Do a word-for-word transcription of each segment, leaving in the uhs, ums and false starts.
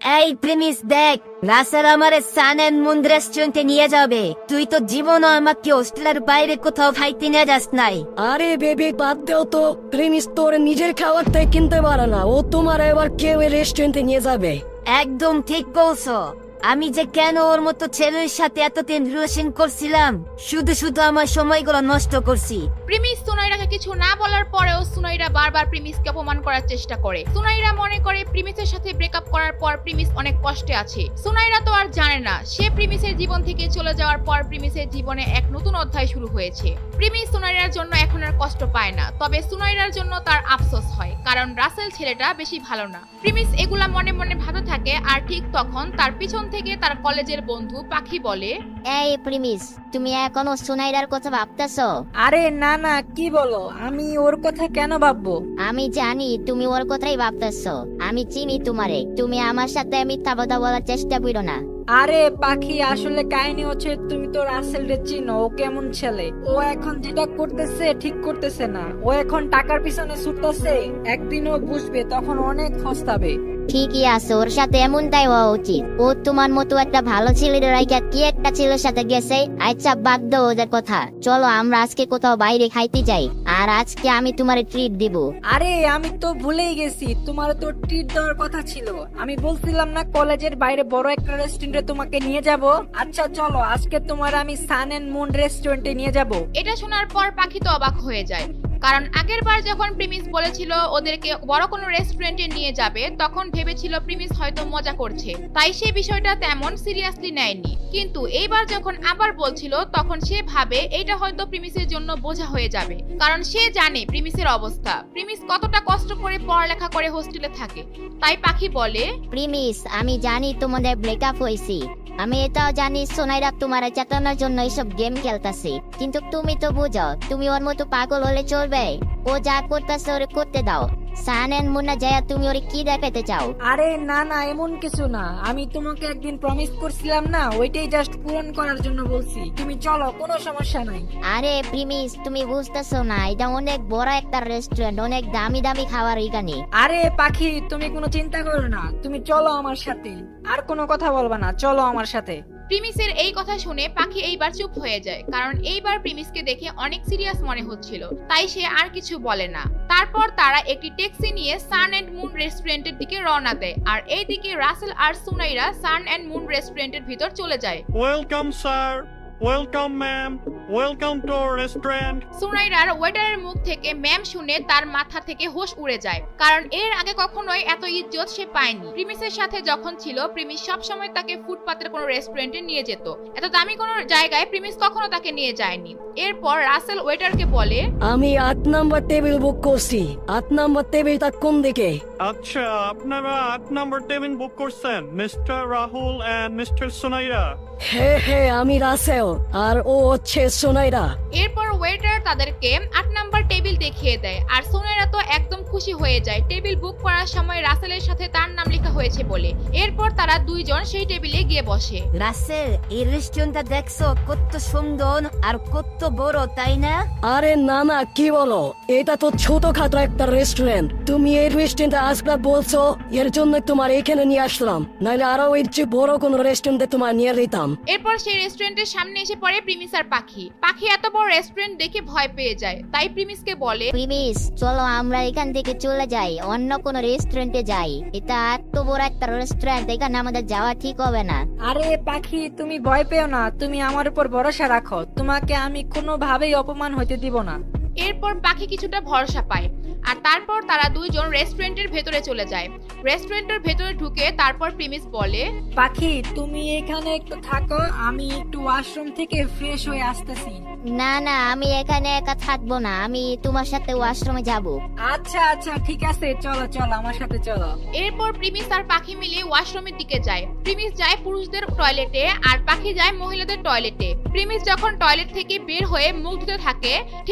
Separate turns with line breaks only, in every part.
এই প্রিমিস দেখ, রাসেল আমারে সান এন্ড মুন রেস্টুরেন্টে নিয়ে যাবে। তুই তো জীবনও আমাকে হোস্টেলের বাইরে কোথাও খাইতে নিয়ে যাস নাই।
আরে বেবি বাদ দেও তো, প্রেমিস তোর নিজের খাবারটাই কিনতে পারে না, ও তোমার এবার কেউ রেস্টুরেন্টে নিয়ে যাবে।
একদম ঠিক বলছো। আমি যে কেন ওর মতো ছেলের সাথে এতদিন রিলেশন করছিলাম, শুধু শুধু আমার সময়গুলো নষ্ট করছি।
প্রিমিস সুনাইরাকে কিছু না বলার পরেও সুনাইরা বারবার প্রিমিসকে অপমান করার চেষ্টা করে। সুনাইরা মনে করে প্রিমিসের সাথে ব্রেকআপ করার পর প্রিমিস অনেক কষ্টে আছে। সুনাইরা তো আর জানে না সে প্রিমিসের জীবন থেকে চলে যাওয়ার পর প্রিমিসের জীবনে এক নতুন অধ্যায় শুরু হয়েছে। প্রিমিস সুনাইরার জন্য এখন আর কষ্ট পায় না, তবে সুনাইরার জন্য তার আফসোস হয়, কারণ রাসেল ছেলেটা বেশি ভালো না। প্রিমিস এগুলা মনে মনে ভাবতে থাকে, আর ঠিক তখন তার পিছন থেকে তার কলেজের বন্ধু পাখি বলে,
এই প্রিমিস, তুমি এখনো সুনাইরার কথা ভাবতেছো?
আরে না না, কি বলো, আমি ওর কথা কেন ভাববো?
আমি জানি তুমি ওর কথাই ভাবতেছো, আমি চিনি তোমারে। তুমি আমার সাথে মিথ্যা কথা বলার চেষ্টা করো না।
আরে পাখি, আসলে কাহিনী হচ্ছে তুমি তো রাসেল রে চিনো, ও কেমন ছেলে। ও এখন যেটা করতেছে ঠিক করতেছে না, ও এখন টাকার পিছনে ছুটতেছে। একদিন ও বুঝবে, তখন অনেক পস্তাবে।
ঠিকই আছে, ওর সাথে এমনটাই হওয়া উচিত। ও তোমার মতো একটা ভালো ছেলের রাইকা কি একটা ছেলের সাথে গেছে। আচ্ছা বাদ দাও ওদের কথা, চলো আমরা আজকে কোথাও বাইরে খাইতে যাই, আর আজকে আমি তোমার ট্রিট দিব।
আরে আমি তো ভুলেই গেছি, তোমার তো ট্রিট দেওয়ার কথা ছিল। আমি বলছিলাম না কলেজের বাইরে বড় একটা রেস্টুরেন্টে তোমাকে নিয়ে যাব। আচ্ছা চলো, আজকে তোমার আমি সান এন্ড মুন রেস্টুরেন্টে নিয়ে যাব।
এটা শোনার পর পাখি তো অবাক হয়ে যায়, কারণ আগের বার যখন প্রিমিস বলেছিল ওদেরকে বড় কোনো রেস্টুরেন্টে নিয়ে যাবে, তখন ভেবেছিল প্রিমিস হয়তো মজা করছে, তাই সে বিষয়টা তেমন সিরিয়াসলি নেয়নি। কিন্তু এইবার যখন আবার বলছিল, তখন সে ভাবে এটা হয়তো প্রিমিসের জন্য বোঝা হয়ে যাবে, কারণ সে জানে প্রিমিসের অবস্থা, প্রিমিস কতটা কষ্ট করে পড়ালেখা করে হোস্টেলে থাকে। তাই পাখি বলে,
প্রিমিস, আমি জানি তোমাদের ব্রেকআপ হয়েছে, আমি এটাও জানি সোনাইরা তোমার চেতনার জন্য এইসব গেম খেলতেছে, কিন্তু তুমি তো বুঝো তুমি ওর মতো পাগল হলে চলবে? ও যা করতেছে ওরে করতে দাও। সান এন্ড মুন্না যায়, তুমি ওরে কি দেখাতে চাও?
আরে না না, এমন কিছু না। আমি তোমাকে একদিন প্রমিস করছিলাম না, ওইটাই জাস্ট পূরণ করার জন্য বলছি। তুমি চলো, কোনো সমস্যা নাই।
আরে প্রিমিস, তুমি বুঝতেছো না, এটা অনেক বড় একটা রেস্টুরেন্ট, অনেক দামি দামি খাবার এখানে।
আরে পাখি, তুমি কোনো চিন্তা করো না, তুমি চলো আমার সাথে, আর কোনো কথা বলবা না, চলো আমার সাথে।
প্রিমিসের এই কথা শুনে পাখি এইবার চুপ হয়ে যায়, কারণ এইবার প্রিমিসকে দেখে অনেক সিরিয়াস মনে হচ্ছিল, তাই সে আর কিছু বলে না। তারপর তারা একটি ট্যাক্সি নিয়ে সান এন্ড মুন রেস্টুরেন্টের দিকে রওনা দেয়, আর এইদিকে রাসেল আর সুনাইরা সান এন্ড মুন রেস্টুরেন্টের ভিতর চলে যায়।
Welcome sir, welcome ma'am, welcome to our restaurant.
সুনাইরার ওয়েটারের মুখ থেকে ম্যাম শুনে তার মাথা থেকে হোশ উড়ে যায়, কারণ এর আগে কখনোই এত ইজ্জত সে পায়নি। প্রিমিসের সাথে যখন ছিল, প্রিমিস সবসময় তাকে ফুটপাতের কোনো রেস্টুরেন্টে নিয়ে যেত, এত দামি কোনো জায়গায় প্রিমিস কখনো তাকে নিয়ে যায়নি। এরপর রাসেল ওয়েটারকে বলে,
আমি আট নাম্বার টেবিল বুক করছি, আট নাম্বার টেবিলটা কোন দিকে?
আচ্ছা, আপনারা আট নম্বর টেবিল বুক করছেন, mister Rahul and mister Sunaira.
হ্যাঁ হ্যাঁ, আমি রাসেল আর ও হচ্ছে সোনাইরা।
এরপর ওয়েটার তাদেরকে আট নাম্বার টেবিল দেখিয়ে দেয়, আর সুনাইরা তো একদম খুশি হয়ে যায় টেবিল বুক করার সময় রাসেলের সাথে তার নাম লেখা হয়েছে বলে। এরপর তারা দুইজন সেই টেবিলে গিয়ে বসে।
রাসেল, এই রেস্টুরেন্টটা দেখছো কত সুন্দর আর কত বড়, তাই না?
আরে না না, কি বলো, এটা তো ছোটখাটো একটা রেস্টুরেন্ট। তুমি এই রেস্টুরেন্টে আসবে বলছো, এর জন্য তোমার এখানে নিয়ে আসলাম, নাহলে আরো এর চেয়ে বড় কোনো রেস্টুরেন্টে তোমার নিয়ে যেতাম।
এরপর সেই রেস্টুরেন্টের সামনে এসে পড়ে প্রিমিস আর পাখি। পাখি এত বড় রেস্টুরেন্ট দেখে ভয় পেয়ে যায়, তাই প্রিমিসকে বলে,
প্রিমিস, চলো আমরা এখান থেকে চলে যাই, অন্য কোনো রেস্টুরেন্টে যাই। এটা এত বড় একটা রেস্টুরেন্ট, এখানে আমাদের যাওয়া ঠিক হবে না।
আরে পাখি, তুমি ভয় পেও না, তুমি আমার উপর ভরসা রাখো, তোমাকে আমি কোনোভাবেই অপমান হইতে দিব না।
এরপর পাখি কিছুটা ভরসা পায়, আর তারপর তারা দুইজন রেস্টুরেন্টের ভেতরে চলে যায়। রেস্টুরেন্টের ভেতরে ঢুকে তারপর প্রিমিস বলে,
পাখি, তুমি এখানে একটু থাকো, আমি একটু ওয়াশরুম থেকে ফ্রেশ হয়ে আসতেছি।
না না, আমি এখানে একা থাকবো না, আমি তোমার সাথে ওয়াশরুমে যাব।
আচ্ছা আচ্ছা, ঠিক আছে, চলো চলো আমার সাথে চলো।
এরপর প্রিমিস আর পাখি মিলে ওয়াশরুমের দিকে যায়। প্রিমিস যায় পুরুষদের টয়লেটে, আর পাখি যায় মহিলাদের টয়লেটে। প্রিমিস যখন টয়লেট থেকে বের হয়ে মুখ ধুতে থাকে, ঠিক ওই সময়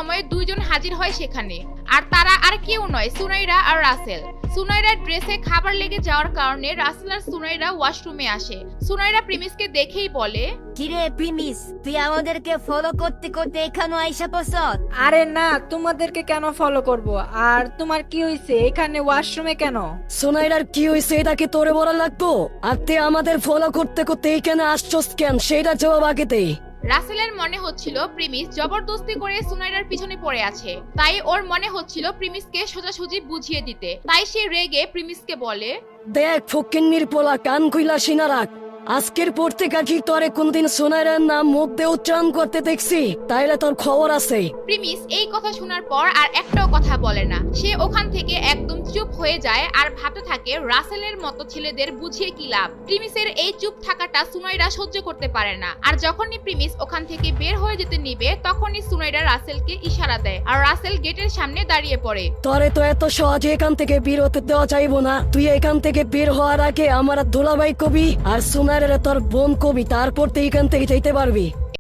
সময় দুইজন হাজির হয় সেখানে, আর তারা আর কেউ নয়, সুনাইরা আর রাসেল। সুনাইরার ড্রেসে খাবার লেগে যাওয়ার কারণে রাসেল আর সুনাইরা ওয়াশরুমে আসে। সুনাইরা প্রিমিসকে দেখেই বলে,
কিরে প্রিমিস, তুই আমাদেরকে ফলো করতে করতে এখানে আইসা পড়ছ?
আরে না, তোমাদেরকে কেন ফলো করব? আর তোমার কি হইছে এখানে ওয়াশরুমে কেন?
সোনাইরার কি হয়েছে এটা কি তোরে বলা লাগতো? আর তুই আমাদের ফলো করতে করতে এখানে আসছস কেন সেটা জবাব আগে দে।
রাসেলের মনে হচ্ছিল প্রিমিস জবরদস্তি করে সুনাইরার পিছনে পড়ে আছে, তাই ওর মনে হচ্ছিল প্রিমিসকে সোজাসুজি বুঝিয়ে দিতে। তাই সে রেগে প্রিমিসকে বলে,
দেখ ফকিন্নির পোলা, কান কইলা সিনা রাখ। আজকের পর থেকে কি তোরে কোনদিন সোনাইরার নাম মুখ দিয়ে উচ্চারণ করতে দেখছি তাইলে তোর খবর আছে।
প্রিমিস এই কথা শোনার পর আর একটাও কথা বলে না। সে ওখান থেকে একদম চুপ হয়ে যায় আর ভাবতে থাকে রাসেলের মতো ছেলেদের বুঝিয়ে কি লাভ। প্রিমিসের এই চুপ থাকাটা সুনাইরা সহ্য করতে পারে না। আর যখনই প্রিমিস ওখান থেকে বের হয়ে যেতে নিবে তখনই সুনাইরা রাসেলকে ইশারা দেয় আর রাসেল গেটের সামনে দাঁড়িয়ে পড়ে।
তোরে তো এত সহজে এখান থেকে বের হতে দেওয়া চাইবো না। তুই এখান থেকে বের হওয়ার আগে আমার দুলাভাই কবি আর সোনাইরা তোর বোন কবি, তারপর তুই এখান থেকে যেতে পারবি।